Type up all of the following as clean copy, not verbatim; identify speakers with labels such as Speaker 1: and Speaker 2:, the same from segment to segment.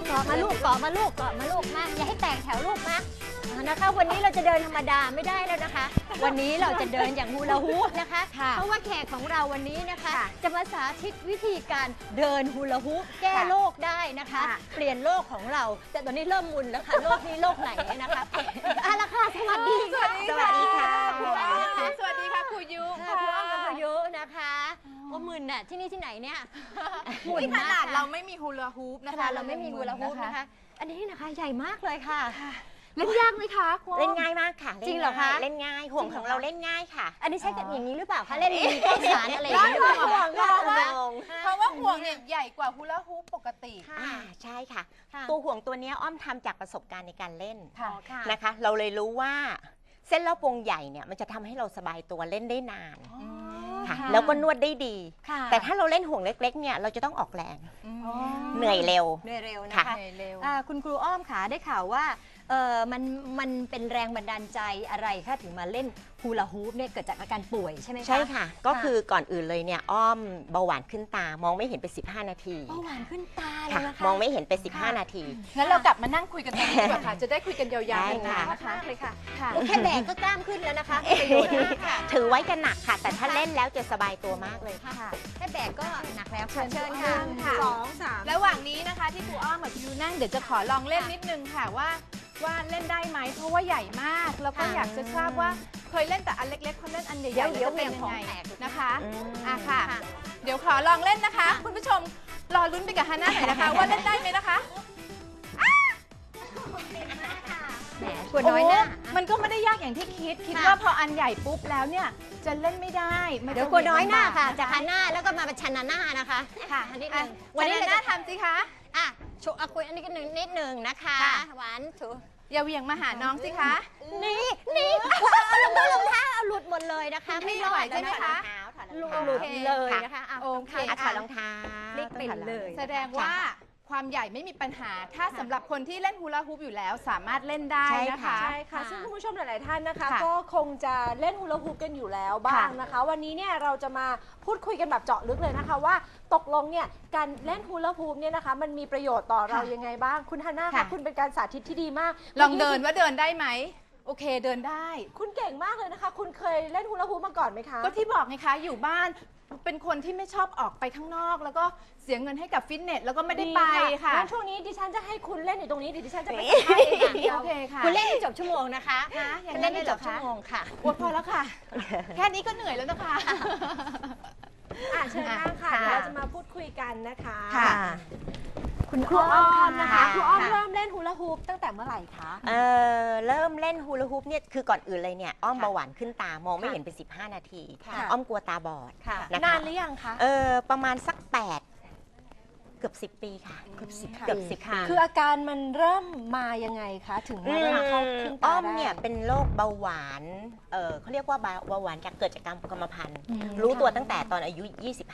Speaker 1: เกาะมาลูกเกาะมาลูกเกาะมาลูกมาอย่าให้แตกแถวลูกมานะคะวันนี้เราจะเดินธรรมดาไม่ได้แล้วนะคะวันนี้เราจะเดินอย่างฮูลาฮูปนะคะเพราะว่าแขกของเราวันนี้นะคะจะมาสาธิตวิธีการเดินฮูลาฮูปแก้โรคได้นะคะเปลี่ยนโรคของเราแต่ตอนนี้เริ่มมุนแล้วค่ะโรคนี้โรคไหนนะคะเอาละค่ะสวัสดีค่ะ
Speaker 2: สวัสดีค่ะ
Speaker 1: ครูอ้อม
Speaker 2: สวัสดีค่ะครูยุค่ะ
Speaker 1: ครูอ้อมกับครูยุนะคะโอ้มึนน่ะที่นี่ที่ไหนเนี่ย
Speaker 2: นี่ขนาดเราไม่มีฮูลาฮูปนะคะ
Speaker 1: เราไม่มีฮูลาฮูปนะคะอันนี้นะคะใหญ่มากเลยค่ะ
Speaker 2: เล่นยากไหมคะ
Speaker 3: เล่นง่ายมากค่ะ
Speaker 1: จริงเหรอคะ
Speaker 3: เล่นง่ายห่วงของเราเล่นง่ายค่ะ
Speaker 1: อันนี้ใช้กันอย่างนี้หรือเปล่าคะเล่นมีต้นสารอะไรอย่างนี้หรือเปล่า
Speaker 2: เพราะว่าห่วงเนี่ยใหญ่กว่าฮูลาฮูปปกติ
Speaker 3: ใช่ค่ะตัวห่วงตัวนี้อ้อมทำจากประสบการณ์ในการเล่นนะคะเราเลยรู้ว่าเส้นรอบวงใหญ่เนี่ยมันจะทำให้เราสบายตัวเล่นได้นานค่ะแล้วก็นวดได้ดีแต่ถ้าเราเล่นห่วงเล็กๆเนี่ยเราจะต้องออกแรงเหนื่อยเร็ว
Speaker 1: นะคะคุณครูอ้อมขาได้ข่าวว่ามันเป็นแรงบันดาลใจอะไรคะถึงมาเล่นฮูลาฮูปเนี่ยเกิดจากอาการป่วยใช่ไหมคะ
Speaker 3: ใช่ค่ะก็คือก่อนอื่นเลยเนี่ยอ้อมเบาหวานขึ้นตามองไม่เห็นไป15 นาที
Speaker 1: เบาหวานขึ้นตาเลยนะคะ
Speaker 3: มองไม่เห็นไป15 นาที
Speaker 2: งั้นเรากลับมานั่งคุยกันตรงนี้ดีกว่าค่ะจะได้คุยกันยาวๆนะคะ
Speaker 1: เลยค่ะแค่แบกก็กล้ามขึ้นแล้วนะคะ
Speaker 3: ถือไว้จะหนักค่ะแต่ถ้าเล่นแล้วจะสบายตัวมากเลย
Speaker 1: ค่ะแค่แบกก็หนักแล้ว
Speaker 2: เชิญค่ะ2 3ระหว่างนี้นะคะที่ครูอ้อมกับครูยูนั่งเดี๋ยวจะขอลองเล่นนิดนึงค่ะว่าเล่นได้ไหมเพราะว่าใหญ่มากแล้วก็อยากจะทราบว่าเคยเล่นแต่อันเล็กๆพอเล่นอันใหญ่ๆแล้วจะเป็นยังไงนะคะค่ะเดี๋ยวขอลองเล่นนะคะคุณผู้ชมรอลุ้นไปกับฮาน่าหน่อยนะคะว่าเล่นได้ไหมนะคะ
Speaker 1: แหมกลัวน้อยนะ
Speaker 2: มันก็ไม่ได้ยากอย่างที่คิดว่าพออันใหญ่ปุ๊บแล้วเนี่ยจะเล่นไม่ได้
Speaker 1: เดี๋ยวกลัวน้อยหน้าค่ะจากฮาน่าแล้วก็มาเป็นชันนาน่านะคะ
Speaker 2: ค่ะวันนี้น่าทำสิคะ
Speaker 1: โชว์คุยอันนี้ก็นิดหนึ่งนะคะหวานถู
Speaker 2: อย่าเหวี่ยงมาหาน้องสิคะ
Speaker 1: นี่รองเท้าหลุดหมดเลยนะคะ
Speaker 2: ไม่ไหวใช่ไหมคะ
Speaker 1: หลุดเลยนะคะ
Speaker 3: โอเคถอดรองเท้า
Speaker 1: พลิกไปเลย
Speaker 2: แสดงว่าความใหญ่ไม่มีปัญหาถ้าสำหรับคนที่เล่นฮูลาฮูปอยู่แล้วสามารถเล่นได้นะคะ
Speaker 4: ใช่ค่ะซึ่งคุณผู้ชมหลายๆท่านนะคะก็คงจะเล่นฮูลาฮูปกันอยู่แล้วบ้างนะคะวันนี้เนี่ยเราจะมาพูดคุยกันแบบเจาะลึกเลยนะคะว่าตกลงเนี่ยการเล่นฮูลาฮูปเนี่ยนะคะมันมีประโยชน์ต่อเรายังไงบ้างคุณฮาน่าคะคุณเป็นการสาธิตที่ดีมาก
Speaker 2: ลองเดินว่าเดินได้ไหมโอเคเดินได้
Speaker 4: คุณเก่งมากเลยนะคะคุณเคยเล่นฮูลาฮูปมาก่อนไหมคะ
Speaker 2: ก็ที่บอกไงคะอยู่บ้านเป็นคนที่ไม่ชอบออกไปข้างนอกแล้วก็เสียเงินให้กับฟิตเนสแล้วก็ไม่ได้ไปค่ะ
Speaker 4: ช่วงนี้ดิฉันจะให้คุณเล่นอยู่ตรงนี้ดิฉันจะไป
Speaker 1: โอเคค่ะคุณเล่นให้จบชั่วโมงนะคะเล่นให้จบชั่วโมงค่ะ
Speaker 2: พอแล้วค่ะแค่นี้ก็เหนื่อยแล้วนะคะ
Speaker 4: เชิญนั่งค่ะเราจะมาพูดคุยกันนะคะ
Speaker 1: คุณครูอ้อม
Speaker 4: นะคะครูอ้อมเริ่มเล่นฮูลาฮูปตั้งแต่เมื่อไหร่คะ
Speaker 3: เริ่มเล่นฮูลาฮูปเนี่ยคือก่อนอื่นเลยเนี่ยอ้อมเบาหวานขึ้นตามองไม่เห็นไป15 นาทีอ้อมกลัวตาบอด
Speaker 4: นานหรือยังคะ
Speaker 3: ประมาณสักเกือบ10 ปีค่ะเกือบ10 ปี
Speaker 4: คืออาการมันเริ่มมายังไงคะถึงมาเข้าขึ้นตาได้
Speaker 3: อ้อมเนี่ยเป็นโรคเบาหวานเขาเรียกว่าเบาหวานเกิดจากกรรมพันธุ์รู้ตัวตั้งแต่ตอนอายุ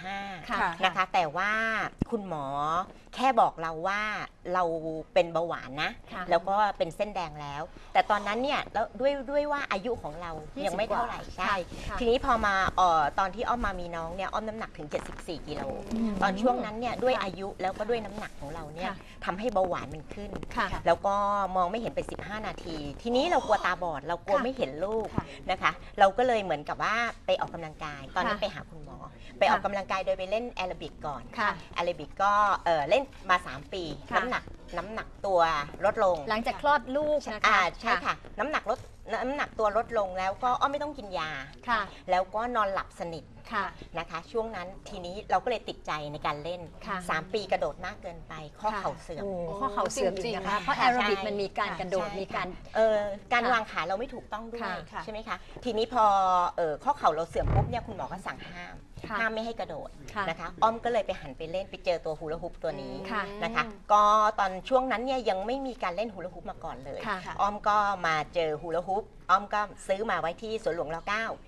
Speaker 3: 25นะคะแต่ว่าคุณหมอแค่บอกเราว่าเราเป็นเบาหวานนะแล้วก็เป็นเส้นแดงแล้วแต่ตอนนั้นเนี่ยแล้วด้วยว่าอายุของเรายังไม่เท่าไหร่ใช่ทีนี้พอมาตอนที่อ้อมมามีน้องเนี่ยอ้อมน้ำหนักถึง74 กิโลตอนช่วงนั้นเนี่ยด้วยอายุแล้วก็ด้วยน้ำหนักของเราเนี่ยทำให้เบาหวานมันขึ้นแล้วก็มองไม่เห็นไป15 นาทีทีนี้เรากลัวตาบอดเรากลัวไม่เห็นลูกนะคะเราก็เลยเหมือนกับว่าไปออกกำลังกายตอนนั้นไปหาคุณหมอไปออกกำลังกายโดยไปเล่นแอโรบิกก่อนแอโรบิกก็เล่นมา3 ปีน้ำหนักตัวลดลง
Speaker 1: หลังจากคลอดลูกนะคะ
Speaker 3: ใช่ค่ะน้ำหนักตัวลดลงแล้วก็ไม่ต้องกินยาแล้วก็นอนหลับสนิทนะคะช่วงนั้นทีนี้เราก็เลยติดใจในการเล่น3 ปีกระโดดมากเกินไปข้อเข่าเสื่อม
Speaker 1: ข้อเข่าเสื่อมจริงนะคะเพราะแอโรบิกมันมีการกระโดดมี
Speaker 3: การวางขาเราไม่ถูกต้องด้วยใช่ไหมคะทีนี้พอข้อเข่าเราเสื่อมปุ๊บเนี่ยคุณหมอก็สั่งห้ามไม่ให้กระโดดนะคะอ้อมก็เลยไปหันไปเล่นไปเจอตัวฮูลาฮูปตัวนี้นะคะก็ตอนช่วงนั้นเนี่ยยังไม่มีการเล่นฮูลาฮูปมาก่อนเลยอ้อมก็มาเจอฮูลาฮูปอ้อมก็ซื้อมาไว้ที่สวนหลวงร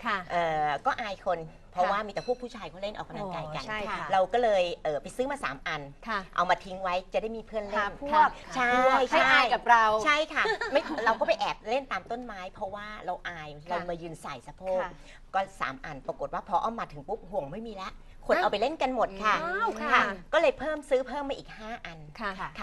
Speaker 3: .9ก็อายคนเพราะว่ามีแต่พวกผู้ชายเขาเล่นออกกำลังกายกันเราก็เลยไปซื้อมา3 อันเอามาทิ้งไว้จะได้มีเพื่อนเล่นใช่
Speaker 2: อายกับเรา
Speaker 3: ใช่ค่ะเราก็ไปแอบเล่นตามต้นไม้เพราะว่าเราอายเรามายืนใส่สะโพกก็3 อันปรากฏว่าพออ้อมมาถึงปุ๊บห่วงไม่มีแล้วคนเอาไปเล่นกันหมดค่ะก็เลยซื้อเพิ่มมาอีก5 อันค่ะ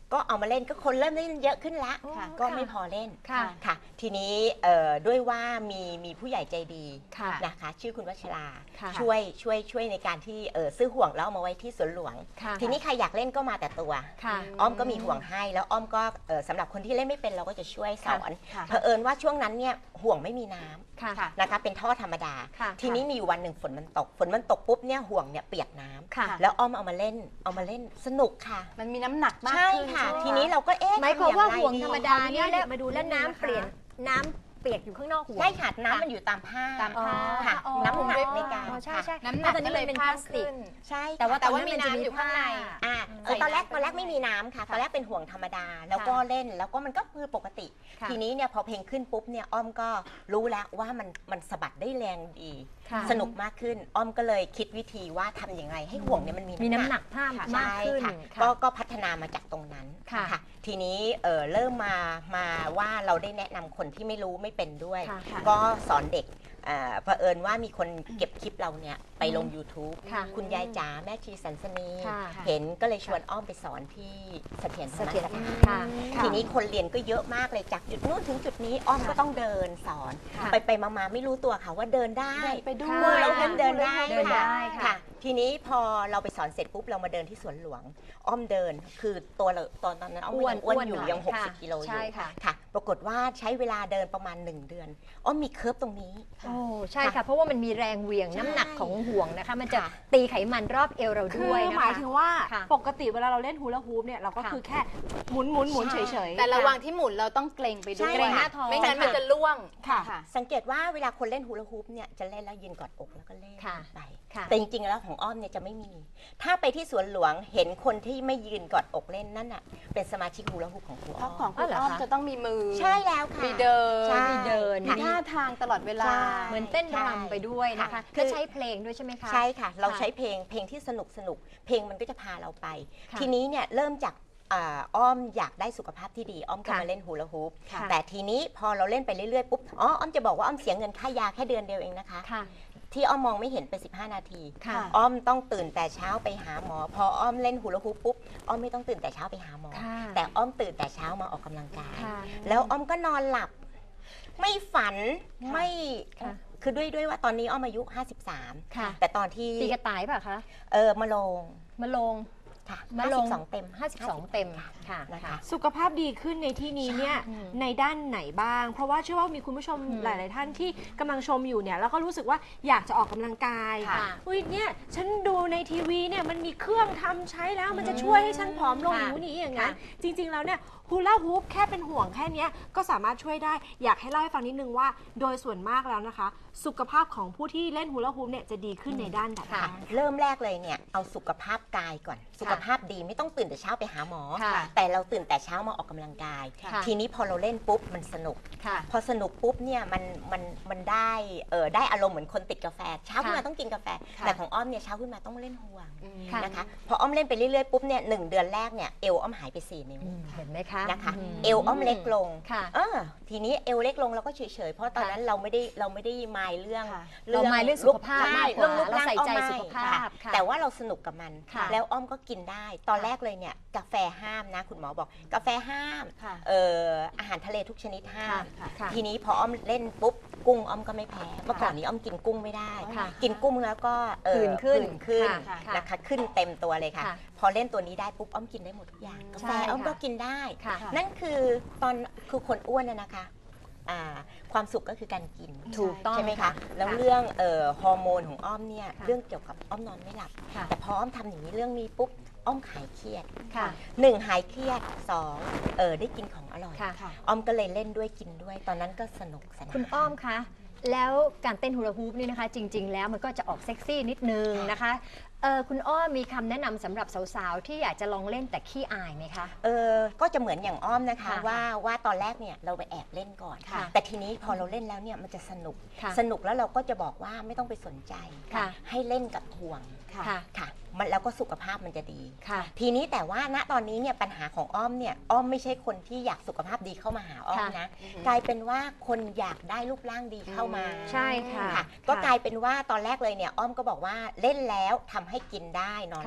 Speaker 3: ก็เอามาเล่นก็คนเริ่มเล่นเยอะขึ้นละ
Speaker 1: ค่ะ
Speaker 3: ก็ไม่พอเล่น
Speaker 1: ค่ะ
Speaker 3: ค่ะทีนี้ด้วยว่ามีผู้ใหญ่ใจดี
Speaker 1: ค่ะ
Speaker 3: นะคะชื่อคุณวัชรา
Speaker 1: ค่ะ
Speaker 3: ช่วยในการที่ซื้อห่วงแล้วเอามาไว้ที่สวนหลวง
Speaker 1: ค่ะ
Speaker 3: ทีนี้ใครอยากเล่นก็มาแต่ตัว
Speaker 1: ค่ะ
Speaker 3: อ้อมก็มีห่วงให้แล้วอ้อมก็สำหรับคนที่เล่นไม่เป็นเราก็จะช่วยสอน
Speaker 2: ค่ะ
Speaker 3: เผอิญว่าช่วงนั้นเนี่ยห่วงไม่มีน้ำ
Speaker 1: ค่ะ
Speaker 3: นะคะเป็นท่อธรรมดา
Speaker 1: ค่ะ
Speaker 3: ทีนี้มีอยู่วันหนึ่งฝนมันตกปุ๊บเนี่ยห่วงเนี่ยเปียกน้ำ
Speaker 1: ค่ะ
Speaker 3: แล้วอ้อมเอามาเล่นสนุกค่ะ
Speaker 2: มันมีน้ำหนักมาก
Speaker 3: ใช่
Speaker 2: ขึ้น
Speaker 3: ค่ะ
Speaker 2: ใช่ไหม
Speaker 3: ทีนี้เราก็
Speaker 1: หมายความว่า
Speaker 3: ทำอย่
Speaker 1: ห่วง
Speaker 3: ไดี
Speaker 1: ธรรมดาเนี่ย
Speaker 4: ขออนุญาต
Speaker 1: แล้ว
Speaker 4: มาดู
Speaker 1: แล้ว
Speaker 4: นิดนึงนะคะ
Speaker 1: น้ำเปลี่ยนน้ำเปียกอยู่ข้างนอกห่วง
Speaker 3: ใช่ค่ะน้ำมันอยู่ตามผ้า
Speaker 2: ตามผ้า
Speaker 3: ค่ะ
Speaker 1: อ๋อ
Speaker 3: น้ำหนักในการ
Speaker 1: อ๋อใช่ใช่
Speaker 2: น้ำหนัก
Speaker 1: ตอนนี้
Speaker 2: ก็เลย
Speaker 1: มันเป็น
Speaker 2: เพิ่
Speaker 1: พลาม สติก
Speaker 2: ขึ้น
Speaker 3: ใช่
Speaker 1: แต่ว่า
Speaker 2: แต่ว่า
Speaker 1: ตอน
Speaker 2: มี
Speaker 1: นั้น
Speaker 2: น้ำอยู่ข้างใน
Speaker 3: อ่า
Speaker 2: ใส่
Speaker 3: ตอนแรก
Speaker 2: น้ำ
Speaker 3: ไม่มีน้ำค่ะตอนแรกเป็นห่วงธรรมดาแล้วก็เล่นแล้วก็มันก็คือปกติ
Speaker 1: ค่ะ
Speaker 3: ทีนี้เนี่ยพอเพลงขึ้นปุ๊บเนี่ยอ้อมก็รู้แล้วว่ามันสะบัดได้แรงดี
Speaker 1: ค่ะ
Speaker 3: สนุกมากขึ้น อ้อมก็เลยคิดวิธีว่าทำอย่างไรให้ห่วงเนี่ยมันมี
Speaker 1: มีน้ำหนักผ้ามาก
Speaker 3: ใช่
Speaker 1: ขึ้น
Speaker 3: ค่ะ
Speaker 1: ค่ะ
Speaker 3: ก็พัฒนามาจากตรงนั้น
Speaker 1: ค่ะ
Speaker 3: ทีนี้เริ่มมาว่าเราได้แนะนำคนที่ไม่รู้ไม่เป็นด้วย
Speaker 1: ค่ะ
Speaker 3: ก็สอนเด็กเผอิญว่ามีคนเก็บคลิปเราเนี่ยไปลง YouTube
Speaker 1: ค่ะ
Speaker 3: คุณยายจ๋าแม่ชีสันสนี
Speaker 1: ค่ะ
Speaker 3: เห็นก็เลยชวนอ้อมไปสอนที่เสถียรธรรม
Speaker 1: เสถียร
Speaker 3: สถาน
Speaker 1: ค่ะ
Speaker 3: ทีนี้คนเรียนก็เยอะมากเลยจากจุดนู้นถึงจุดนี้อ้อมก็ต้องเดินสอน
Speaker 1: ค่ะ
Speaker 3: ไปมาไม่รู้ตัวค่ะว่าเดินได้
Speaker 2: ไปด้
Speaker 1: ค่ะ
Speaker 2: วย
Speaker 3: เราเดินได้
Speaker 1: เดินได้ค่ะ
Speaker 3: ค่ะ ทีนี้พอเราไปสอนเสร็จปุ๊บเรามาเดินที่สวนหลวง อ้อมเดินคือตัวเราตอนนั้นอ้อมยังอ้วนอยู่
Speaker 1: หน่
Speaker 3: ยัง
Speaker 1: ค่ะ
Speaker 3: 60 กิโลอ
Speaker 1: ใช่
Speaker 3: ยู่
Speaker 1: ค่ะ
Speaker 3: ค่ะ ปรากฏว่าใช้เวลาเดินประมาณ 1 เดือน อ้อมมีเคิร์ฟตรงนี้
Speaker 1: โอ้ใช่ค่ะ เพราะว่ามันมีแรงเหวี่ยง
Speaker 3: ใช่
Speaker 1: น้ำหนักของห่วงนะคะ มันจะ
Speaker 3: ค่ะ
Speaker 1: ตีไขมันรอบเอวเรา
Speaker 4: คื
Speaker 1: ด้วย
Speaker 4: อ
Speaker 1: นะคะ
Speaker 4: หมายถึงว่า
Speaker 1: ค่ะ
Speaker 4: ปกติเวลาเราเล่นฮูลาฮูปเนี่ยเราก็
Speaker 1: ค่ะ
Speaker 4: คือแค่หมุนเฉยๆ
Speaker 2: แต่ระหว่างที่หมุนเราต้องเกรงไปด้วย
Speaker 3: ใช่เกรงหน้า
Speaker 1: ท้อง
Speaker 2: ไม่งั้นมันจะล่วง
Speaker 4: ค่ะ
Speaker 3: สังเกตว่าเวลาคนเล่นฮูลาฮูปเนี่ยจะเล่นแล้วยืนกอดอกแล้วก็เล่น
Speaker 1: ค่ะ
Speaker 3: ไป
Speaker 1: ค่ะ
Speaker 3: แต่จริงๆแล้วของอ้อมเนี่ยจะไม่มี ถ้าไปที่สวนหลวงเห็นคนที่ไม่ยืนกอดอกเล่นนั่นน่ะเป็นสมาชิกฮูลาฮูปของครู
Speaker 2: เพ
Speaker 3: อ้อ
Speaker 2: ราะ
Speaker 3: ม
Speaker 2: ของคุณอ้อมจะต้องมีมือ
Speaker 3: ใช่แล้วค่ะ
Speaker 2: มีเดิน
Speaker 3: ใช่
Speaker 1: มีเดิน
Speaker 2: มีท่าทางตลอดเวลา
Speaker 3: ใช่
Speaker 1: เหมือนเต้นรำไปด้วยนะคะ
Speaker 3: ค่ะ
Speaker 1: ก็ใช้เพลงด้วยใช่ไหมคะ
Speaker 3: ใช่ค่ะ เรา
Speaker 1: ค่ะ
Speaker 3: ใช้เพลงที่สนุกเพลงมันก็จะพาเราไป
Speaker 1: ค่ะ
Speaker 3: ทีนี้เนี่ยเริ่มจากอ้อมอยากได้สุขภาพที่ดีอ้อมก็
Speaker 1: ค่ะ
Speaker 3: มาเล่นฮูลาฮูป
Speaker 1: ค่ะ
Speaker 3: แต่ทีนี้พอเราเล่นไปเรื่อยๆปุ๊บอ้อมจะบอกว่าอ้อมเสียเงินค่ายาแค่เดือนเดียวเองนะคะ
Speaker 1: ค่ะ
Speaker 3: ที่อ้อมมองไม่เห็นไป15 นาที
Speaker 1: ค่ะ
Speaker 3: อ้อมต้องตื่นแต่เช้าไปหาหมอ พออ้อมเล่นฮูลาฮูปปุ๊บอ้อมไม่ต้องตื่นแต่เช้าไปหาหมอ
Speaker 1: ค่ะ
Speaker 3: แต่อ้อมตื่นแต่เช้ามาออกกำลังกาย
Speaker 1: ค่ะ
Speaker 3: แล้วอ้อมก็นอนหลับ ไม่ฝัน
Speaker 1: ค่ะ
Speaker 3: ไม่
Speaker 1: ค่ะ
Speaker 3: คือด้วยว่าตอนนี้อ้อมอายุ 53
Speaker 1: ค่ะ
Speaker 3: แต่ตอนที่
Speaker 1: ตีกระต่ายเปล่ะคะ
Speaker 3: มาลง
Speaker 1: มาลง
Speaker 3: ค่ะ
Speaker 1: มาลง
Speaker 3: 52 เต็ม
Speaker 1: 52 เต็มค่ะ
Speaker 3: นะคะ
Speaker 4: สุขภาพดีขึ้นในที่นี้เนี่ย
Speaker 1: อืม
Speaker 4: ในด้านไหนบ้าง เพราะว่าเชื่อว่ามีคุณผู้ชมหลาย ๆ ท่านที่กำลังชมอยู่เนี่ยแล้วก็รู้สึกว่าอยากจะออกกำลังกาย
Speaker 1: ค่ะ
Speaker 4: อุ้ยเนี่ยฉันดูในทีวีเนี่ยมันมีเครื่องทำใช้แล้วมันจะช่วยให้ฉันผอมลง
Speaker 1: ค่ะ
Speaker 4: อย่างนี้อย่างนั้น
Speaker 1: ค่ะ
Speaker 4: จริง ๆ แล้วเนี่ยฮูลาฮูปแค่เป็นห่วงแค่เนี้ยก็สามารถช่วยได้ อยากให้เล่าให้ฟังนิดนึงว่าโดยส่วนมากแล้วนะคะ สุขภาพของผู้ที่เล่นฮูลาฮูปเนี่ยจะดีขึ้นในด้านใด
Speaker 1: ค่ะ
Speaker 4: บ้าง
Speaker 3: เริ่มแรกเลยเนี่ยเอาสุขภาพกายก่อน สุขภาพดีไม่ต้องตื่นแต่เช้าไปหาหมอ
Speaker 1: ค่ะ
Speaker 3: แต่เราตื่นแต่เช้ามาออกกำลังกาย
Speaker 1: ค่ะ
Speaker 3: ทีนี้พอเราเล่นปุ๊บมันสนุก
Speaker 1: ค่ะ
Speaker 3: พอสนุกปุ๊บเนี่ยมันได้อารมณ์เหมือนคนติดกาแฟ เช้าขึ้นมาต้องกินกาแฟ
Speaker 1: ค่ะ
Speaker 3: แต่ของอ้อมเนี่ยเช้าขึ้นมาต้องเล่นห่วง
Speaker 1: ค่ะ
Speaker 3: นะคะพออ้อมเล่นไปเรื่อยๆปุ๊บเนี่ย1 เดือนแรกเนี่ยเอวอ้อมหายไป4 นิ้ว
Speaker 1: เห็นไหมคะ
Speaker 3: นะคะ
Speaker 1: ม
Speaker 3: เอวอ้อมเล็กลง
Speaker 1: ค่ะ
Speaker 3: ทีนี้เอวเล็กลงเราก็เฉยๆเพราะตอนนั้นเราไม่ได้มายเรื่อง
Speaker 2: ค่ะ
Speaker 1: เรามายเรื่องสุขภาพมากกว่า
Speaker 3: เรื่องรูป
Speaker 1: เรา
Speaker 3: ร่าง
Speaker 1: ใส่ใจ
Speaker 3: อ้อม
Speaker 1: สุขภาพ
Speaker 3: ไม่
Speaker 1: ค่ะ
Speaker 3: แต่ว่าเราสนุกกับมัน
Speaker 1: ค่ะ
Speaker 3: แล้วอ้อมก็กินได้ ตอนแรกเลยเนี่ยกาแฟห้ามนะคุณหมอบอกกาแฟห้าม
Speaker 2: ค่ะ
Speaker 3: อาหารทะเลทุกชนิดห้าม
Speaker 1: ค่ะ
Speaker 3: ทีนี้พออ้อมเล่นปุ๊บกุ้งอ้อมก็ไม่แพ้เมื่อก่อนนี้อ้อมกินกุ้งไม่ได้
Speaker 1: ค่ะ
Speaker 3: กินกุ้งแล้วก็
Speaker 1: ผื่นขึ้น
Speaker 3: ขึ้น
Speaker 1: ค่ะ
Speaker 3: นะคะขึ้นเต็มตัวเลยค่ะ
Speaker 1: ค่ะ
Speaker 3: พอเล่นตัวนี้ได้ปุ๊บอ้อมกินได้หมดทุกอย่างกาแฟ
Speaker 1: ใช่
Speaker 3: อ้อม
Speaker 1: ค่ะ
Speaker 3: ก็กินได้
Speaker 1: ค่ะ
Speaker 3: นั่นคือคือคนอ้วนน่ะนะคะความสุขก็คือการกิน
Speaker 1: ถูกต้อง
Speaker 3: ใช่ไหม
Speaker 1: ค่ะ
Speaker 3: คะแล้วเรื่องฮอร์โมนของอ้อมเนี่ย
Speaker 1: ค่ะ
Speaker 3: เรื่องเกี่ยวกับอ้อมนอนไม่หลับ
Speaker 1: ค่ะ
Speaker 3: แต่พออ้อมทำอย่างนี้เรื่องนี้ปุ๊บอ้อมหายเครียด
Speaker 1: ค่ะ
Speaker 3: 1หายเครียด2ได้กินของอร่อย
Speaker 1: ค่ะ
Speaker 3: อ้อมก็เลยเล่นด้วยกินด้วย ตอนนั้นก็สนุกสนาน
Speaker 1: คุณอ้อมคะ แล้วการเต้นฮูลาฮูปนี่นะคะ จริง ๆ แล้วมันก็จะออกเซ็กซี่นิดนึงนะคะคุณอ้อมมีคำแนะนำสำหรับสาวๆ ที่อยากจะลองเล่นแต่ขี้อายไหมคะ
Speaker 3: ก็จะเหมือนอย่างอ้อมนะคะ
Speaker 1: ค่ะ
Speaker 3: ว่าตอนแรกเนี่ยเราไปแอบเล่นก่อน
Speaker 1: ค่ะ
Speaker 3: แต่ทีนี้พอเราเล่นแล้วเนี่ยมันจะสนุก
Speaker 1: ค่ะ
Speaker 3: สนุกแล้วเราก็จะบอกว่าไม่ต้องไปสนใจ
Speaker 1: ค่ะ
Speaker 3: ให้เล่นกับห่วง
Speaker 1: ค่ะ
Speaker 3: ค่ะมันแล้วก็สุขภาพมันจะดี
Speaker 1: ค่ะ
Speaker 3: ทีนี้แต่ว่าณตอนนี้เนี่ยปัญหาของอ้อมเนี่ยอ้อมไม่ใช่คนที่อยากสุขภาพดีเข้ามาหาอ้อม
Speaker 1: ค่ะ
Speaker 3: นะกลายเป็นว่าคนอยากได้รูปร่างดีเข้ามา
Speaker 1: ใช่ค่ะ
Speaker 3: ค่ะก็กลายเป็นว่าตอนแรกเลยเนี่ยอ้อมก็บอกว่าเล่นแล้วทำให้กินได้นอนหลับ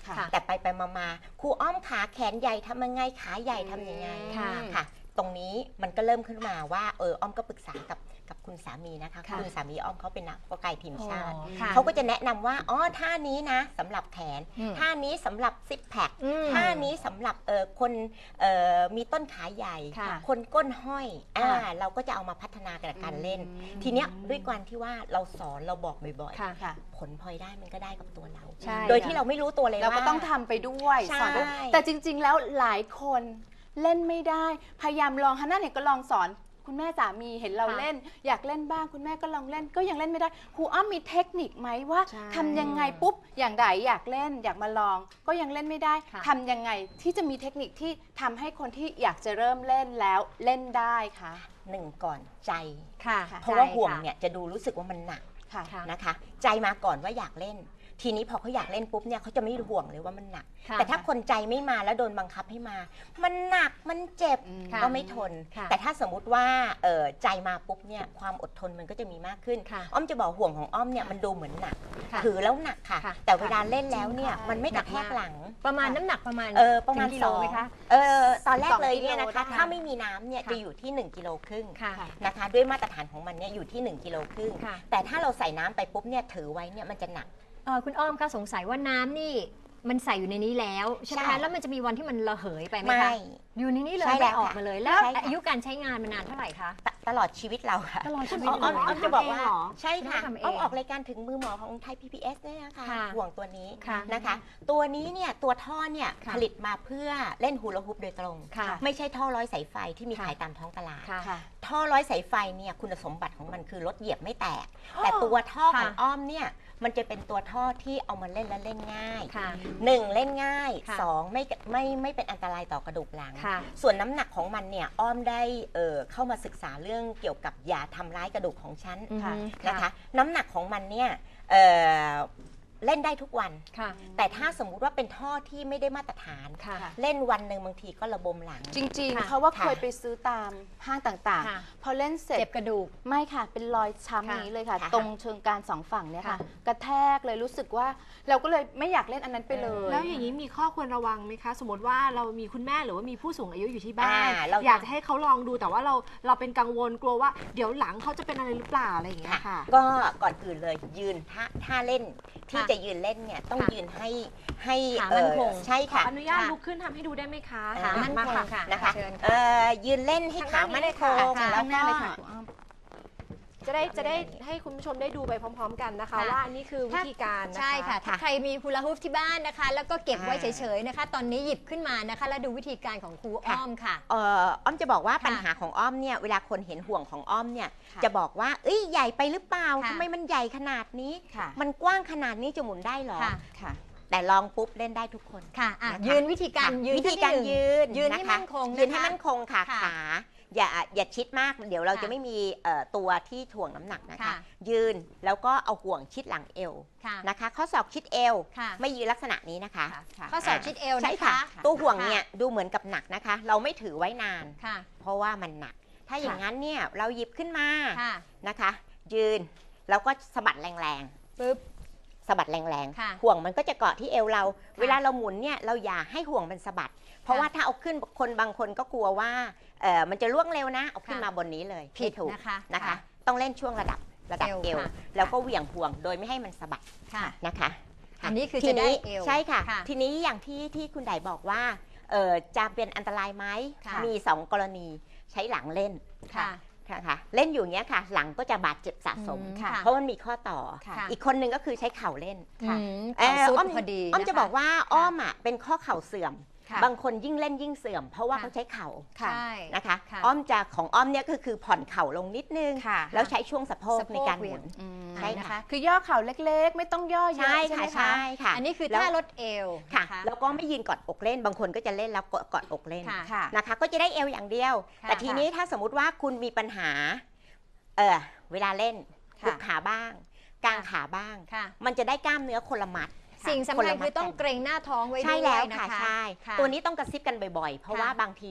Speaker 2: ค่ะ
Speaker 3: แต่ไปมาครูอ้อมขาแขนใหญ่ทำยังไงขาใหญ่ทำยังไง
Speaker 1: ค่ะ
Speaker 3: ค่ะ ตรงนี้มันก็เริ่มขึ้นมาว่าอ้อมก็ปรึกษากับคุณสามีนะคะ
Speaker 1: ค่ะ
Speaker 3: คุณสามีอ้อมเขาเป็นนักเพาะกายทีมชาติ
Speaker 1: ค่ะ
Speaker 3: เขาก็จะแนะนำว่าท่านี้นะสำหรับแขน
Speaker 2: อืม
Speaker 3: ท่านี้สำหรับซิกแพค
Speaker 1: อืม
Speaker 3: ท่านี้สำหรับคนมีต้นขาใหญ่
Speaker 1: ค่ะ
Speaker 3: คนก้นห้อย
Speaker 1: ค่ะ
Speaker 3: เราก็จะเอามาพัฒนากับการเล่น
Speaker 2: อืม
Speaker 3: ทีเนี้ยด้วยการที่ว่าเราสอนเราบอกบ่อย
Speaker 1: ค่ะ
Speaker 2: ค่ะ
Speaker 3: ๆ ผลพลอยได้มันก็ได้กับตัวเรา
Speaker 1: ใช่
Speaker 3: โดยที่เราไม่รู้ตัวเลย
Speaker 2: เรา
Speaker 3: ว่า
Speaker 2: ก็ต้องทำไปด้วย
Speaker 3: ใช่
Speaker 2: สอนด้วยแต่จริง ๆ แล้วหลายคนเล่นไม่ได้ พยายามลองฮันน่าเนี่ยก็ลองสอน คุณแม่สามีเห็นเรา
Speaker 1: ค่ะ
Speaker 2: เล่น อยากเล่นบ้างคุณแม่ก็ลองเล่น ก็ยังเล่นไม่ได้ครูอ้อมมีเทคนิคไหมว่า
Speaker 4: ใช่
Speaker 2: ทำยังไงปุ๊บอย่างใดอยากเล่น อยากมาลอง ก็ยังเล่นไม่ได้
Speaker 1: ค่ะ
Speaker 2: ทำยังไงที่จะมีเทคนิคที่ทำให้คนที่อยากจะเริ่มเล่นแล้วเล่นได้คะ
Speaker 3: หนึ่งก่อนใจ
Speaker 1: ค่ะ
Speaker 3: เพราะว่า
Speaker 1: ใช่
Speaker 3: ห่วง
Speaker 1: ค่ะ
Speaker 3: เนี่ยจะดูรู้สึกว่ามันหนัก
Speaker 2: ค่ะ
Speaker 1: ค่ะ
Speaker 3: นะคะ ใจมาก่อนว่าอยากเล่น ทีนี้พอเขาอยากเล่นปุ๊บเนี่ยเขาจะไม่ห่วงเลยว่ามันหนัก
Speaker 1: ค่ะ
Speaker 3: แต่ถ้าคนใจไม่มาแล้วโดนบังคับให้มา มันหนักมันเจ็บ
Speaker 1: ค่ะ
Speaker 3: ก็ไม่ทน
Speaker 1: ค่ะ
Speaker 3: แต่ถ้าสมมุติว่าใจมาปุ๊บเนี่ยความอดทนมันก็จะมีมากขึ้น
Speaker 1: ค่ะ
Speaker 3: อ้อมจะบอกห่วงของอ้อมเนี่ยมันดูเหมือนหนัก
Speaker 1: ค่ะ
Speaker 3: ถือแล้วหนักค่ะ
Speaker 1: ค่ะ
Speaker 3: แต่เวลาเล่นแล้วเนี่ย
Speaker 2: จริงค่ะ
Speaker 3: มันไม่กระแทก
Speaker 1: หนักมาก
Speaker 3: หลัง
Speaker 1: ประมาณน้ำหนักประมาณ
Speaker 3: ประมาณ
Speaker 1: ถึงกิโลไหมคะ
Speaker 3: ตอนแรก
Speaker 2: 2
Speaker 3: เลยเนี่ย
Speaker 2: กิโล
Speaker 3: นะคะ
Speaker 2: ได้
Speaker 3: ถ้าไม่มีน้ำเนี่ย
Speaker 1: ค่ะ
Speaker 3: จะอยู่ที่1กิโลครึ่ง
Speaker 1: ค่ะ
Speaker 3: นะคะ ด้วยมาตรฐานของมันเนี่ยอยู่ที่1กิโลครึ่ง
Speaker 1: ค่ะ
Speaker 3: แต่ถ้าเราใส่น้ำไปปุ๊บเนี่ยถือไว้เนี่ยมันจะหนัก
Speaker 1: คุณอ้อมคะสงสัยว่าน้ำนี่มันใส่อยู่ในนี้แล้วใช่ไหม
Speaker 3: ใช่
Speaker 1: คะแล้วมันจะมีวันที่มันระเหยไปไหม
Speaker 3: ไม่
Speaker 1: คะอยู่ในนี้เลย
Speaker 3: ใช่แล้
Speaker 1: ไม่
Speaker 3: ว
Speaker 1: ออก
Speaker 3: ค่ะ
Speaker 1: มาเลย แล้ว
Speaker 3: ใช่ค่ะ
Speaker 1: อายุการใช้งานมันนานเท่าไหร่คะ
Speaker 3: ตลอดชีวิตเราค่ะ
Speaker 1: ตลอดชีวิต
Speaker 3: อ้อม
Speaker 1: เลย
Speaker 3: อ้อมจะบอกว่า
Speaker 4: ทำเองเหรอ
Speaker 3: ใช่ค่ะ
Speaker 1: ทำเอง
Speaker 3: อ้อมออกรายการถึงมือหมอของไทย PBS เนี่ยนะคะ
Speaker 1: ค่ะ
Speaker 3: ห่วงตัวนี้
Speaker 1: ค่ะ
Speaker 3: นะคะ ตัวนี้เนี่ยตัวท่อเนี่ย
Speaker 1: ค่ะ
Speaker 3: ผลิตมาเพื่อเล่นฮูลาฮูปโดยตรง
Speaker 1: ค่ะ
Speaker 3: ไม่ใช่ท่อร้อยสายไฟที่มี
Speaker 1: ค่ะ
Speaker 3: ขายตามท้องตลาด
Speaker 1: ค่ะ
Speaker 2: ค่ะ
Speaker 3: ท่อร้อยสายไฟเนี่ยคุณสมบัติของมันคือรถเหยียบไม่แตก แต่ตัวท่อของ
Speaker 1: ค่ะ
Speaker 3: อ้อมเนี่ยมันจะเป็นตัวท่อที่เอามาเล่นและเล่นง่าย
Speaker 1: ค่ะ
Speaker 3: 1 เล่นง่าย
Speaker 1: ค่ะ
Speaker 3: 2 ไม่เป็นอันตรายต่อกระดูกหลัง
Speaker 1: ค่ะ
Speaker 3: ส่วนน้ำหนักของมันเนี่ยอ้อมได้เข้ามาศึกษาเรื่องเกี่ยวกับอย่าทำร้ายกระดูกของฉัน
Speaker 1: ค่ะ
Speaker 3: นะคะ น้ำหนักของมันเนี่ยเล่นได้ทุกวัน
Speaker 1: ค่ะ
Speaker 3: แต่ถ้าสมมุติว่าเป็นท่อที่ไม่ได้มาตรฐาน
Speaker 1: ค่ะ
Speaker 3: เล่นวันหนึ่งบางทีก็ระบมหลัง
Speaker 2: จริง
Speaker 1: ค่ะ
Speaker 2: ๆ เพราะว่า
Speaker 3: ค่ะ
Speaker 2: เคยไปซื้อตามห้างต่าง
Speaker 1: ค่ะ
Speaker 2: ๆ พอเล่นเสร็จ
Speaker 1: เจ็บกระดูก
Speaker 2: ไม่ค่ะ เป็นรอยช้ำ
Speaker 1: ค่ะ
Speaker 2: นี้เลยค่ะ
Speaker 3: ค่ะ
Speaker 2: ตรงเชิงกรานสองฝั่งเนี่ยค่ะ
Speaker 1: ค่ะ
Speaker 2: กระแทกเลยรู้สึกว่า เราก็เลยไม่อยากเล่นอันนั้นไปเลย
Speaker 4: แล้วอย่างนี้มีข้อควรระวังไหมคะ สมมติว่าเรามีคุณแม่หรือว่ามีผู้สูงอายุอยู่ที่บ้าน
Speaker 3: เรา
Speaker 4: อยากจะให้เขาลองดูแต่ว่าเราเป็นกังวลกลัวว่าเดี๋ยวหลังเขาจะเป็นอะไรหรือเปล่าอะไรอย่างเงี้ยค่ะ
Speaker 3: ก็ก่อนอื่นเลยยืนท่าเล่นที่
Speaker 1: ค่ะ
Speaker 3: จะยืนเล่นเนี่ยต้อง
Speaker 1: ค่ะ
Speaker 3: ยืนให้
Speaker 1: ขามั่นคง
Speaker 3: ใช่
Speaker 4: ขอ
Speaker 3: ค่ะ
Speaker 4: อนุญาต
Speaker 1: ค่ะ
Speaker 4: ลุกขึ้นทำให้ดูได้ไหมคะ
Speaker 1: ขามั่นคงค่ะ
Speaker 3: นะคะ
Speaker 1: เชิญ
Speaker 3: ยืนเล่นให้ขามั่นคง
Speaker 1: ค่ะ
Speaker 3: แล้ว
Speaker 2: ข้างห
Speaker 3: ก็
Speaker 2: น้าเลยค่ะคุณอ้อม
Speaker 4: จะได้ให้คุณผู้ชมได้ดูไปพร้อม ๆ กันนะคะ
Speaker 1: ค่ะ
Speaker 4: ว่าอันนี้คือวิธีการนะคะ
Speaker 1: ใช่ค่ะ ถ้าใครมีฮูลาฮูปที่บ้านนะคะ แล้วก็เก็บไว้เฉยๆนะคะ ตอนนี้หยิบขึ้นมานะคะ แล้วดูวิธีการของครูอ้อมค่ะ
Speaker 3: อ้อมจะบอกว่า
Speaker 1: ค่ะ
Speaker 3: ปัญหาของอ้อมเนี่ยเวลาคนเห็นห่วงของอ้อมเนี่ย
Speaker 2: ค่ะ
Speaker 3: จะบอกว่าเอ้ยใหญ่ไปหรือเปล่า
Speaker 1: ค่ะ
Speaker 3: ทำไมมันใหญ่ขนาดนี้
Speaker 2: ค่ะ
Speaker 3: มันกว้างขนาดนี้จะหมุนได้เหรอ
Speaker 1: ค่ะ
Speaker 2: ค่ะ
Speaker 3: แต่ลองปุ๊บเล่นได้ทุกคน
Speaker 1: ค่ะอ่ะ
Speaker 3: นะคะ
Speaker 1: ยืนวิธีการ
Speaker 3: ค่ะ
Speaker 1: ยืน
Speaker 3: วิธีการ
Speaker 1: ขั้นที่หนึ่ง
Speaker 3: ยืน
Speaker 1: ยืนให้
Speaker 3: ะะ
Speaker 1: มั่นคงนะคะ
Speaker 3: ยืนให้มั่นคงค่ะ
Speaker 1: ค่ะ
Speaker 3: ขาอย่าชิดมากเดี๋ยวเรา
Speaker 1: ค่ะ
Speaker 3: จะไม่มีตัวที่ถ่วงน้ำหนักนะคะ
Speaker 1: ค่ะ
Speaker 3: ยืนแล้วก็เอาห่วงชิดหลังเอว
Speaker 1: ค่ะ
Speaker 3: นะคะข้อศอกชิดเอว
Speaker 1: ค่ะ
Speaker 3: ไม่ยืนลักษณะนี้นะคะ
Speaker 2: ค่ะ
Speaker 1: ข้อศอกชิดเอว
Speaker 3: ใช่
Speaker 1: นะ
Speaker 3: ค่ะ
Speaker 1: คะ
Speaker 3: ตัวห่วง
Speaker 1: ค่ะ
Speaker 3: เนี่ยดูเหมือนกับหนักนะคะ เราไม่ถือไว้นาน
Speaker 1: ค่ะ
Speaker 3: เพราะว่ามันหนัก ถ้าอย่างนั้นเนี่ยเราหยิบขึ้นมา
Speaker 1: ค่ะ
Speaker 3: นะคะ ยืนแล้วก็สะบัดแรง
Speaker 1: ปึ๊บ
Speaker 3: ๆสะบัดแรง
Speaker 1: ค่ะ
Speaker 3: ๆห่วงมันก็จะเกาะที่เอวเรา เวลาเราหมุนเนี่ยเราอย่าให้ห่วงมันสะบัด เพราะว่าถ้าเอาขึ้นคนบางคนก็กลัวว่ามันจะล่วงเร็วนะเอาขึ้นมาบนนี้เลย
Speaker 1: ผิด
Speaker 3: ไม่ถูก
Speaker 1: นะคะ
Speaker 3: นะคะ
Speaker 1: ค่ะ
Speaker 3: ต้องเล่นช่วงระดับเอ
Speaker 1: เอ
Speaker 3: ว
Speaker 1: วค่ะ
Speaker 3: แล้วก็เหวี่ยงห่วงโดยไม่ให้มันสะบัด
Speaker 1: ค่ะ
Speaker 3: นะคะ
Speaker 1: อันนี้คือ
Speaker 3: ที
Speaker 1: จะได้
Speaker 3: นี้
Speaker 1: เอว
Speaker 3: ใช่ค่ะ
Speaker 1: ค่ะ
Speaker 3: ทีนี้อย่างที่คุณไดบอกว่าจะเป็นอันตรายไหม
Speaker 1: ค่ะ
Speaker 3: มี 2 กรณีใช้หลังเล่น
Speaker 1: ค่ะ
Speaker 3: ค่ะเล่นอยู่เนี้ยค่ะ หลังก็จะบาดเจ็บสะสม
Speaker 1: ค่ะ
Speaker 3: เพราะมันมีข้อต่อ
Speaker 1: ค่ะ
Speaker 3: อีกคนหนึ่งก็คือใช้เข่าเล่น
Speaker 1: อืมเข่าซุด
Speaker 3: อ้อม
Speaker 1: พอดี
Speaker 3: อ้อมจะ
Speaker 1: นค
Speaker 3: บอกว่าอ้อมอ่ะเป็นข้อเข่าเสื่อม
Speaker 2: ค่ะ
Speaker 3: บางคนยิ่งเล่นยิ่งเสื่อม เพราะว่า
Speaker 1: ค่ะ
Speaker 3: เขาใช้เข่า
Speaker 1: ใช่
Speaker 3: นะคะ
Speaker 1: ค่ะ
Speaker 3: อ้อมจะของอ้อมเนี่ยคือผ่อนเข่าลงนิดนึง
Speaker 2: ค่ะ
Speaker 3: แล้วใช้ช่วงสะโพก
Speaker 1: สะโพก
Speaker 3: ในการห
Speaker 1: เหวี่
Speaker 3: มุ
Speaker 1: ยง
Speaker 3: น
Speaker 2: อืม
Speaker 3: ใช่
Speaker 1: นะคะ
Speaker 2: คือย่อเข่าเล็กๆ ไม่ต้องย่อเยอะ
Speaker 3: ใช่
Speaker 2: ใช่ไห
Speaker 3: ค่ะ
Speaker 2: มคะ
Speaker 3: ใช่ค่ะ
Speaker 1: อันนี้คือ
Speaker 3: แล้ว
Speaker 1: ท่าลดเอว
Speaker 3: ค่ะ
Speaker 1: น
Speaker 3: แล้วก็ไม่ยืนกอดอกเล่น บางคนก็จะเล่นแล้วกอดอกเล่น
Speaker 1: ค่ะ
Speaker 2: ค่ะ
Speaker 3: นะคะ ก็จะได้เอวอย่างเดียว
Speaker 1: ค่ะ
Speaker 3: แต่ทีนี้ถ้าสมมุติว่าคุณมีปัญหาเวลาเล่น
Speaker 2: ค่ะ
Speaker 3: ลุกขาบ้าง กางขาบ้าง
Speaker 1: ค่ะ
Speaker 3: มันจะได้กล้ามเนื้อคนละมัด
Speaker 1: สิ่งสำ
Speaker 3: คน
Speaker 1: คัญ
Speaker 3: ละมัด
Speaker 1: คือต้อง
Speaker 3: กัน
Speaker 1: เกรงหน้าท้องไว้
Speaker 3: ใช่
Speaker 1: ด้
Speaker 3: แล้ว วย
Speaker 1: นะ
Speaker 3: ค่ะ
Speaker 1: คะ
Speaker 3: ใช่
Speaker 1: ค่ะ
Speaker 3: ตัวนี้ต้องกระซิบกันบ่อยๆ เพราะ
Speaker 1: ค่ะ
Speaker 3: ว่าบางที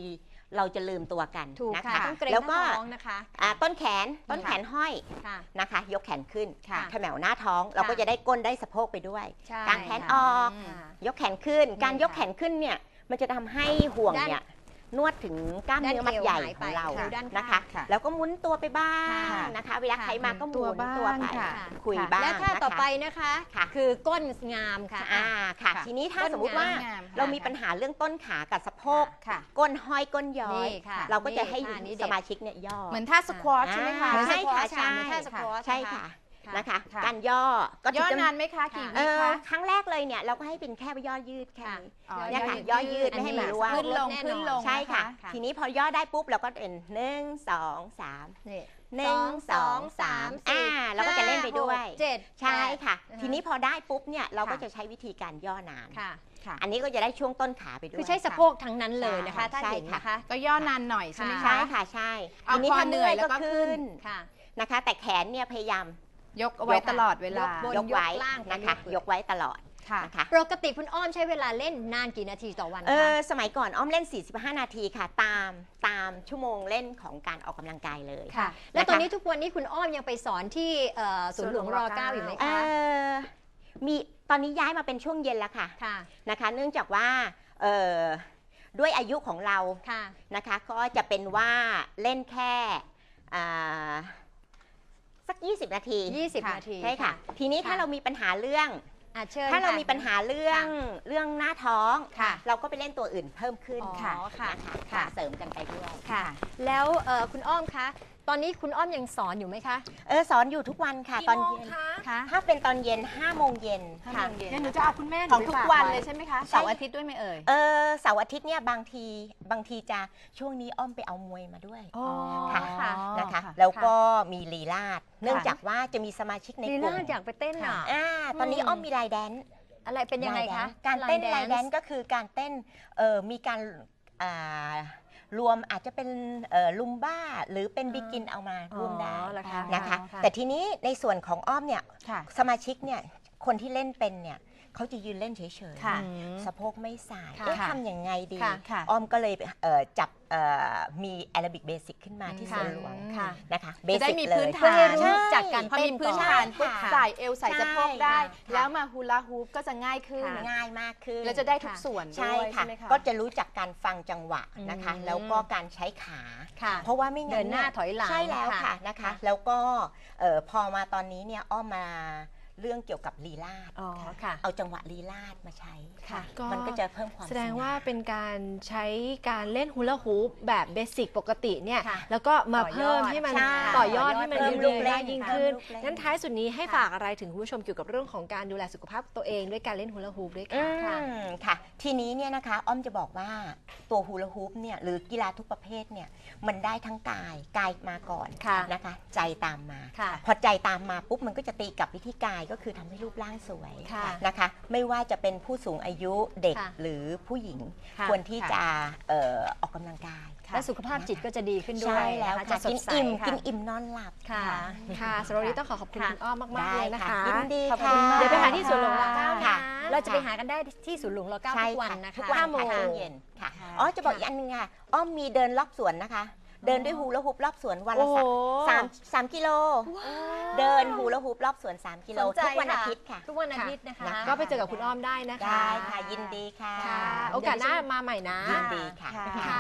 Speaker 3: เราจะลืมตัวกัน
Speaker 1: ถูก
Speaker 3: นะ
Speaker 1: ค่ะ
Speaker 3: คะ
Speaker 1: ต้องเกรง
Speaker 3: แล้ว
Speaker 1: ห
Speaker 3: ก็
Speaker 1: น้าท้องนะคะ
Speaker 3: ต้นแขนห้อย
Speaker 1: ค่ะ
Speaker 3: นะคะ ยกแขนขึ้น
Speaker 1: ค่ะ
Speaker 3: แถวหน้าท้องเราก็จะได้ก้นได้สะโพกไปด้วย
Speaker 1: ใช่
Speaker 3: กางแขน
Speaker 1: ค่ะ
Speaker 3: ออก
Speaker 1: ค่ะ
Speaker 3: ยกแขนขึ้น
Speaker 1: นี่
Speaker 3: การยก
Speaker 1: ค่ะ
Speaker 3: แขนขึ้นเนี่ยมันจะทำให้ห่วงเนี่ยนวดถึงกล้ามเนื้อมัดใหญ่ของเรา
Speaker 1: ด้านเอวหายไปด้านข้าง
Speaker 3: นะคะ
Speaker 2: ค่ะ
Speaker 3: แล้วก็หมุนตัวไปบ้าง
Speaker 1: ค่ะ
Speaker 3: นะคะ เวลาใครมาก็หมุน
Speaker 2: ตัวบ้าง
Speaker 3: ตัวไป
Speaker 2: ค่ะ
Speaker 3: คุย
Speaker 2: ค่ะ
Speaker 3: บ้าง
Speaker 1: และท่าต่อ
Speaker 3: นะคะ
Speaker 1: ไปนะคะ
Speaker 3: ค่ะ
Speaker 1: คือก้นงามค่ะ
Speaker 3: ค่ะค่ะ
Speaker 2: ค่ะ
Speaker 3: ทีนี้ถ้า
Speaker 1: ก้น
Speaker 3: สมมุติว่า
Speaker 2: งามค่ะ
Speaker 3: เรามีปัญหาเรื่องต้นขากับสะโพก
Speaker 2: ค่ะ
Speaker 3: ก้นห้อยก้นย้อย
Speaker 1: นี่ค่ะ
Speaker 3: เราก็จะให้
Speaker 1: นี่ท่านี้เด็
Speaker 3: ส
Speaker 1: ด
Speaker 3: มาชิกเนี่ยย่อ
Speaker 2: เหมือนท่าสควอชใช่ไหมคะ
Speaker 3: ใช่ค่ะ
Speaker 1: ใช่เหมือนท่าสควอช
Speaker 3: ใช่ค่ะ
Speaker 1: ค่ะ
Speaker 3: นะคะ
Speaker 2: ค่ะ
Speaker 3: การย่อก็
Speaker 2: ย่อ
Speaker 3: จะ
Speaker 2: นานไหมคะกี่วิคะ
Speaker 3: ครั้งแรกเลยเนี่ยเราก็ให้เป็นแค่ย่อยืดแค่นี้
Speaker 2: อ๋อ
Speaker 3: เนี่ยค่ะ
Speaker 2: ย่
Speaker 3: ย่
Speaker 2: อ
Speaker 3: อ
Speaker 2: ยื
Speaker 3: ยื
Speaker 2: ด
Speaker 3: ดไม่ให้มัน
Speaker 1: อันนี้
Speaker 3: ร่วง
Speaker 2: ขึ้นลง
Speaker 1: แน่นอน
Speaker 2: ขึ้นลง
Speaker 3: ใช่ค่ะ
Speaker 1: ค่ะ
Speaker 3: ทีนี้พอย่อได้ปุ๊บเราก็เป็น1 2 3
Speaker 1: นี่
Speaker 3: 1 2 3เราก็จะเล่นไปด้วย
Speaker 1: เจ็ด
Speaker 3: ใช่ค่ะ
Speaker 1: อ่าฮะ
Speaker 3: ทีนี้พอได้ปุ๊บเนี่ยเราก็
Speaker 2: ค่ะ
Speaker 3: จะใช้วิธีการย่อนาน
Speaker 1: ค่ะ
Speaker 2: ค่ะ
Speaker 3: อันนี้ก็จะได้ช่วงต้นขาไปด้วย
Speaker 1: คือใช้สะโพกทั้งนั้นเลยนะคะ
Speaker 3: ใช่
Speaker 1: ถ้าเห็น
Speaker 3: ค่ะ
Speaker 1: นะคะ
Speaker 2: ก็ย่อนานหน่อยใช่ไหม
Speaker 3: ใช่
Speaker 2: คะ
Speaker 3: ค่ะใช่
Speaker 2: เอา
Speaker 3: ทีนี้
Speaker 2: พอ
Speaker 3: ถ้า
Speaker 2: เหนื่อยแล้วก็
Speaker 3: ขึ้น
Speaker 1: ค่ะ
Speaker 3: นะคะ แต่แขนเนี่ยพยายาม
Speaker 2: ยกเอาไว้ตลอดเวลา
Speaker 1: บน
Speaker 3: ยกไว้
Speaker 1: ยกล่าง
Speaker 3: นะคะ
Speaker 1: ไปเรื่อย
Speaker 3: ยกไว้ตลอด
Speaker 2: ค่ะ
Speaker 3: นะคะ
Speaker 1: ปกติคุณอ้อมใช้เวลาเล่นนานกี่นาทีต่อวันคะ
Speaker 3: สมัยก่อนอ้อมเล่น 45 นาทีค่ะ ตามชั่วโมงเล่นของการออกกำลังกายเลย
Speaker 1: ค่ะ แล้วตอนนี้ทุกวันนี้คุณอ้อมยังไปสอนที่ศูนย์หลวงร .9 อยู่ไหม
Speaker 3: เอ่
Speaker 1: คะ
Speaker 3: มีตอนนี้ย้ายมาเป็นช่วงเย็นแล้วค่ะ
Speaker 1: ค่ะ
Speaker 3: นะคะ เนื่องจากว่าด้วยอายุของเรา
Speaker 1: ค่ะ
Speaker 3: นะคะก็จะเป็นว่าเล่นแค่อ่าสัก 20 นาที
Speaker 1: 20 นาที
Speaker 3: ใช่ค่ะ ทีนี้ถ้าเรามีปัญหาเรื่อง
Speaker 1: เชิญ
Speaker 3: ถ้าเรา
Speaker 1: ค่ะ
Speaker 3: มีปัญหาเรื่องหน้าท้อง
Speaker 1: ค่ะ
Speaker 3: เราก็ไปเล่นตัวอื่นเพิ่มขึ้น
Speaker 1: อ๋อ
Speaker 3: ค่ะ
Speaker 1: ค่ะ
Speaker 3: นะคะ
Speaker 1: ค่ะ
Speaker 3: เสริมกันไปด้วย
Speaker 1: ค่ะ แล้วคุณอ้อมคะ ตอนนี้คุณอ้อมยังสอนอยู่ไหมคะ
Speaker 3: สอนอยู่ทุกวันค่ะ ตอนเย็น
Speaker 1: คะ
Speaker 3: ถ้าเป็นตอนเย็น5 โมงเย็นค่ะ
Speaker 4: เดี๋ยวหนูจะเอาคุณแม่ห
Speaker 2: ของ
Speaker 4: ไป
Speaker 2: ทุก
Speaker 4: ฝา
Speaker 2: วัน
Speaker 4: ไ
Speaker 2: เลยใช่ไหมคะเสาร์อาทิตย์ด้วยไหมเอ่ย
Speaker 3: เสาร์อาทิตย์เนี่ยบางทีจะช่วงนี้อ้อมไปเอามวยมาด้วย
Speaker 1: อ๋อ
Speaker 3: ค่ะ
Speaker 1: ค่ะ
Speaker 3: นะคะ แล้วก็มีลีลาดเนื่องจากว่าจะมีสมาชิกใน
Speaker 1: ลี
Speaker 3: กลุ่
Speaker 1: ลาม ดอยากไปเต้นอ่ะ
Speaker 3: ตอนนี้อ้อมมีไลน์แดนซ์
Speaker 1: อะไรเป็นยังไงคะ
Speaker 3: การเต้น
Speaker 1: Line
Speaker 3: ไลน์แดน
Speaker 1: Dance
Speaker 3: ซ์ก็คือการเต้นมีการรวมอาจจะเป็นลุมบ้าหรือเป็นบิกินเอามาร่วมได้
Speaker 1: อ๋อเหรอคะ
Speaker 3: นะคะ
Speaker 1: อ๋อค่ะ
Speaker 3: แต่ทีนี้ในส่วนของอ้อมเนี่ย
Speaker 2: ค่ะ
Speaker 3: สมาชิกเนี่ยคนที่เล่นเป็นเนี่ยเขาจะยืนเล่นเฉย
Speaker 2: ค่ะ
Speaker 3: ๆสะโพกไม่สาย
Speaker 1: ค่ะ
Speaker 3: ทำยังไงดี
Speaker 1: ค่ะ
Speaker 2: ค่ะ
Speaker 3: อ้อมก็เลยจับมีแอโรบิกเบสิกขึ้นมาที่ส
Speaker 1: ค่ะ
Speaker 3: วนหลวง
Speaker 1: ค่ะ
Speaker 3: นะคะเบ
Speaker 2: จะได้
Speaker 3: สิก
Speaker 2: มี
Speaker 3: เล
Speaker 2: พื้
Speaker 3: ย
Speaker 2: น
Speaker 1: เพื่อ
Speaker 2: ฐา
Speaker 1: ให้
Speaker 2: น
Speaker 1: รู้จักการ
Speaker 2: พอ
Speaker 1: เต้
Speaker 2: มี
Speaker 1: น
Speaker 2: พื้น
Speaker 1: ก่อน
Speaker 2: ฐานปุ๊บ
Speaker 3: ค่ะ
Speaker 2: ใส่เอวใส่สะโพกได้
Speaker 3: ใช่ค่ะ
Speaker 2: แล้วมาฮูลาฮูปก็จะง่ายขึ้น
Speaker 1: ค่ะ
Speaker 3: ง่ายมากขึ้น
Speaker 2: แล้วจะได้ทุกส่วนด้
Speaker 3: ใช่
Speaker 2: วย
Speaker 3: ค่ะ
Speaker 2: ใช่ไหมคะ
Speaker 3: ก็จะรู้จักการฟังจังหวะนะคะ
Speaker 1: อืม
Speaker 3: แล้วก็การใช้ขา
Speaker 1: ค่ะ
Speaker 3: เพราะว่าไม่งั้น
Speaker 1: เดินหน้า
Speaker 3: เย
Speaker 1: ถอยหลัง
Speaker 3: ใช่แล้วค่ะ
Speaker 1: ค่ะ
Speaker 3: นะคะ
Speaker 1: ค่ะ
Speaker 3: แล้วก็พอมาตอนนี้เนี่ยอ้อมมาเรื่องเกี่ยวกับลีลาด
Speaker 1: อ๋อค่ะ
Speaker 3: เอาจังหวะลีลาดมาใช้
Speaker 1: ค่ะ
Speaker 3: มันก็จะเพิ่มความ
Speaker 4: แสดง
Speaker 3: สง่
Speaker 4: ว่าเป็นการใช้การเล่นฮูลาฮูปแบบเบสิกปกติเนี่ย
Speaker 1: ค่ะ
Speaker 4: แล้วก็มา
Speaker 1: ต่อยอด
Speaker 4: เพิ่มให้มัน
Speaker 3: ใช่
Speaker 4: ต่อยอดให้มัน
Speaker 3: เพิ่ม
Speaker 4: ยื
Speaker 3: ลู
Speaker 4: ด
Speaker 3: ก
Speaker 4: เยื้
Speaker 3: เล่
Speaker 4: อน ยิ่งขึ้น
Speaker 3: เพิ่มลูกเล่น
Speaker 4: งั้นท้ายสุดนี้ให้ฝากอะไรถึงคุณผู้ชมเกี่ยวกับเรื่องของการดูแลสุขภาพตัวเองด้วยการเล่นฮูลาฮูปด้วยค่ะ
Speaker 3: ค่ะ ทีนี้เนี่ยนะคะอ้อมจะบอกว่าตัวฮูลาฮูปเนี่ยหรือกีฬาทุกประเภทเนี่ยมันได้ทั้งกายมาก่อน
Speaker 1: ค่ะ
Speaker 3: นะคะ ใจตามมา
Speaker 1: ค่ะ
Speaker 3: พอใจตามมาปุ๊บมันก็จะตีกลับวิธีกายก็คือทำให้รูปร่างสวย
Speaker 1: ค่ะ
Speaker 3: นะคะ ไม่ว่าจะเป็นผู้สูงอายุเด็ก
Speaker 1: ค่ะ
Speaker 3: หรือผู้หญิง
Speaker 1: ค่ะ
Speaker 3: ควรที่จะออกกำลังกาย
Speaker 1: และสุขภาพจิตก็จะดีขึ้นด้ว
Speaker 3: ใช่
Speaker 1: ย
Speaker 3: แล้ว
Speaker 1: นะคะ
Speaker 3: ค่ะ
Speaker 1: จะส
Speaker 3: กิ
Speaker 1: ด
Speaker 3: น
Speaker 1: ใส
Speaker 3: อิ่ม
Speaker 1: ค่ะ
Speaker 3: กินอิ่มนอนหลับ
Speaker 1: ค่ะ
Speaker 4: ค่ะสำหรับวันนี้ต้องขอบคุณ
Speaker 1: ค่ะ
Speaker 4: คุณอ้อมมากๆ
Speaker 3: ได้
Speaker 4: เลยนะคะ
Speaker 3: ยินดี
Speaker 1: ขอบคุ
Speaker 3: ค่ะ
Speaker 1: ณมาก
Speaker 4: เดี๋ยวไปหาที่สวนหลวงร .9
Speaker 3: ค่ะ
Speaker 4: นะ
Speaker 1: เราจะไปหากันได้ที่ศูนย์หลวงร .9
Speaker 3: ใช่
Speaker 1: ทุกวัน
Speaker 3: ค่ะ
Speaker 1: นะคะ
Speaker 3: ทุกวัน
Speaker 4: ห้าโมง
Speaker 3: ค่ะช่วงเย็นค่ะ
Speaker 1: ค่ะ
Speaker 3: อ๋อจะบอกอีกอันนึงค่ะอ้อมมีเดินรอบสวนนะคะ เดินด้วยฮูลาฮูปรอบสวนวัน
Speaker 4: โอ้
Speaker 3: ละ
Speaker 4: โห
Speaker 3: สามกิโล เดินฮูลาฮูปรอบสวน 3 กิโล
Speaker 1: สนใจ
Speaker 3: ทุกวัน
Speaker 1: ค่ะ
Speaker 3: อาทิตย์ค่ะ
Speaker 1: ทุกวันอาทิตย์นะคะ
Speaker 3: นะคะ
Speaker 4: ก็ไปเจอกับคุณอ้อมได้นะคะ
Speaker 3: ได้ค่ะยินดีค่ะ
Speaker 4: ค่ะ โอกาสหน้ามาใหม่นะ
Speaker 3: ยินดีค่ะ
Speaker 2: ค่ะ